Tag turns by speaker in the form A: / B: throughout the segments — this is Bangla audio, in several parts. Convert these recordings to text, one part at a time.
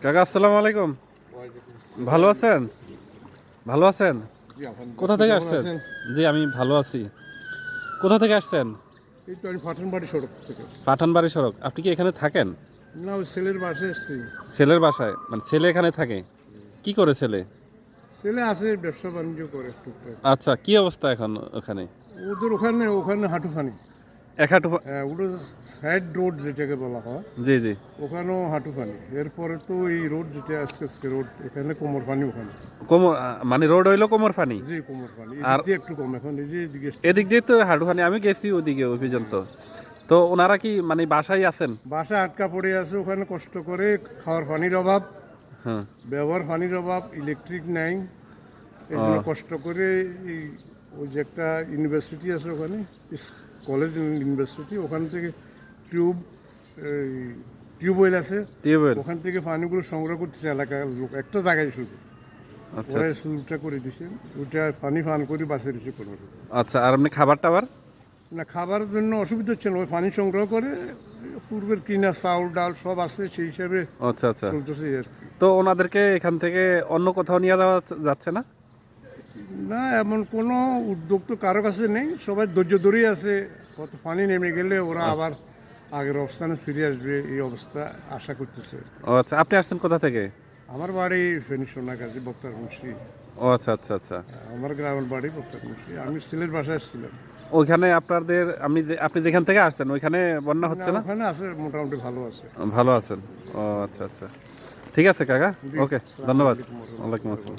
A: কাকা আসসালামু আলাইকুম। ভালো আছেন? ভালো আছেন? কোথা থেকে আসছেন? জি আমি ভালো আছি। কোথা থেকে আসছেন?
B: এই তো আমি পাঠানবাড়ি সড়ক থেকে।
A: পাঠানবাড়ি সড়ক। আপনি কি এখানে থাকেন?
B: না, ওই ছেলের বাসায় এসেছি।
A: ছেলের বাসায়? মানে ছেলে এখানে থাকে? কি করে ছেলে?
B: ছেলে আছে, ব্যবসা বাণিজ্য করে টুকটাক।
A: আচ্ছা, কি অবস্থা এখন ওখানে?
B: ওদের ওখানে ওখানে হাঁটুখানি।
A: এক হাঁটু
B: হ্যাঁ, ওটা সাইড রোড যেটাকে বলা হয়,
A: জি জি।
B: ওখানেও হাঁটুখানি। এরপরে তো এই রোড যেটা আজকে রোড, এখানে কোমর পানি। ওখানে
A: কোমর মানে রোড হইলো কোমর পানি।
B: জি, কোমর পানি।
A: আর
B: এদিক দিয়ে একটু কম, এখন এই যে এদিকে
A: এদিক দিয়ে তো হাঁটুখানি, আমি গেছি ওদিকে ওই পর্যন্ত। তো ওনারা কি মানে বাসায় আছেন?
B: বাসা আটকা পড়ে আছে ওখানে, কষ্ট করে খাওয়ার পানির অভাব,
A: হ্যাঁ।
B: ব্যবহার পানির অভাব, ইলেকট্রিক নাই। এই জন্য কষ্ট করে এই ওই যে একটা ইউনিভার্সিটি আছে ওখানে, কলেজ ইউনিভার্সিটি, ওখান থেকে টিউবওয়েল আছে,
A: টিউবওয়েল।
B: ওখান থেকে পানিগুলো সংগ্রহ করতেছে এলাকার লোক, একটা জায়গায় শুধু।
A: আচ্ছা
B: ওরা শুরুটা করে দিছে, ওইটা পানি পান করে বাঁচে দিচ্ছে কোনো রকম।
A: আচ্ছা। আর আপনি খাবার টাবার?
B: না, খাবারের জন্য অসুবিধা হচ্ছে না, ওই পানি সংগ্রহ করে পূর্বের কিনা চাউল ডাল সব আছে, সেই হিসাবে
A: আচ্ছা আচ্ছা।
B: চলতেছে আর কি।
A: তো ওনাদেরকে এখান থেকে অন্য কোথাও নিয়ে যাওয়া যাচ্ছে না?
B: না, এমন কোনো উদ্যোগ তো কারো কাছে নেই, সবাই ধৈর্য ধরেই আছে। কত পানি নেমে গেলে ওরা আবার আগের অবস্থানে ফিরে আসবে, এই অবস্থা আশা করতেছে।
A: ও আচ্ছা। আপনি আসছেন কোথা থেকে?
B: আমার বাড়ি ফেনী সোনাগাজী বক্তারমুন্সি।
A: ও আচ্ছা আচ্ছা আচ্ছা।
B: আমার গ্রামের বাড়ি বক্তারমুন্সি। আমি ছেলের বাসায় এসেছিলাম।
A: ওইখানে আপনাদের আপনি যেখান থেকে আসছেন ওইখানে বন্যা হচ্ছে না?
B: ওখানে আছে, মোটামুটি ভালো আছে।
A: ভালো আছেন? ও আচ্ছা আচ্ছা। ঠিক আছে কাকা, ওকে, ধন্যবাদ। ওয়ালাইকুম আসসালাম।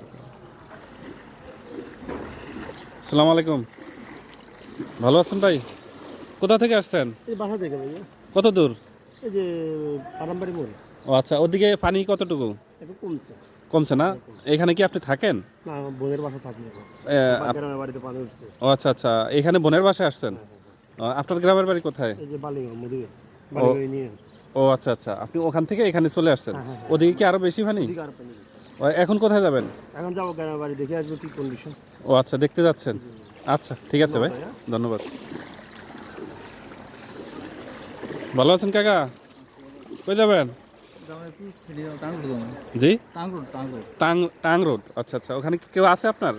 A: আসসালামু আলাইকুম। ভালো আছেন ভাই? কোথা থেকে আসছেন?
C: এই বাসা থেকে ভাইয়া,
A: কত দূর?
C: এই যে পারামবাড়ি মোড়
A: ও আচ্ছা। ওদিকে পানি কতটুকু?
C: একটু কমছে।
A: কমছে না? এখানে কি আপনি থাকেন?
C: না, আমার বোনের বাসা থাকি এখন। গ্রামের বাড়িতে পানি উঠছে।
A: ও আচ্ছা আচ্ছা। এখানে বোনের বাসায় আসছেন? আপনার গ্রামের বাড়ি কোথায়?
C: এই যে বালিগঞ্জ মধুবে বালিগঞ্জ নিয়ে
A: ও আচ্ছা আচ্ছা। আপনি ওখান থেকে এখানে চলে আসছেন? ওদিকে কি আরো বেশি পানি?
C: এদিকে আর পানি নেই।
A: এখন কোথায় যাবেন?
C: এখন যাবো গ্রামের বাড়ি, দেখে আসবো কি কন্ডিশন।
A: ও আচ্ছা, দেখতে যাচ্ছেন? আচ্ছা ঠিক আছে ভাই, ধন্যবাদ। ভালো আছেন কাকা? কই যাবেন? জি, টাং রোড। আচ্ছা আচ্ছা। ওখানে কি কেউ আছে আপনার?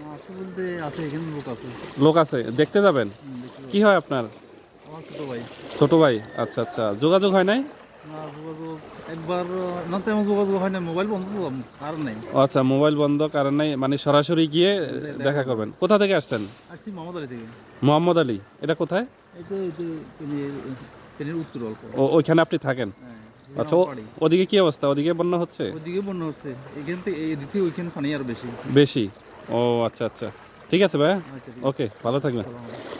A: লোক আছে, দেখতে যাবেন? কি হয় আপনার? ছোট ভাই। আচ্ছা আচ্ছা। যোগাযোগ হয় নাই? ও আচ্ছা, মোবাইল বন্ধ, কারণ নাই, মানে সরাসরি গিয়ে দেখা করবেন। কোথা থেকে আসছেন? মোহাম্মদ আলী। এটা কোথায়? ওইখানে আপনি থাকেন? আচ্ছা। ওদিকে কি অবস্থা? ওদিকে বন্যা হচ্ছে?
D: ওইখানে পানি আর বেশি।
A: বেশি? ও আচ্ছা আচ্ছা। ঠিক আছে ভাই, ওকে, ভালো থাকবেন।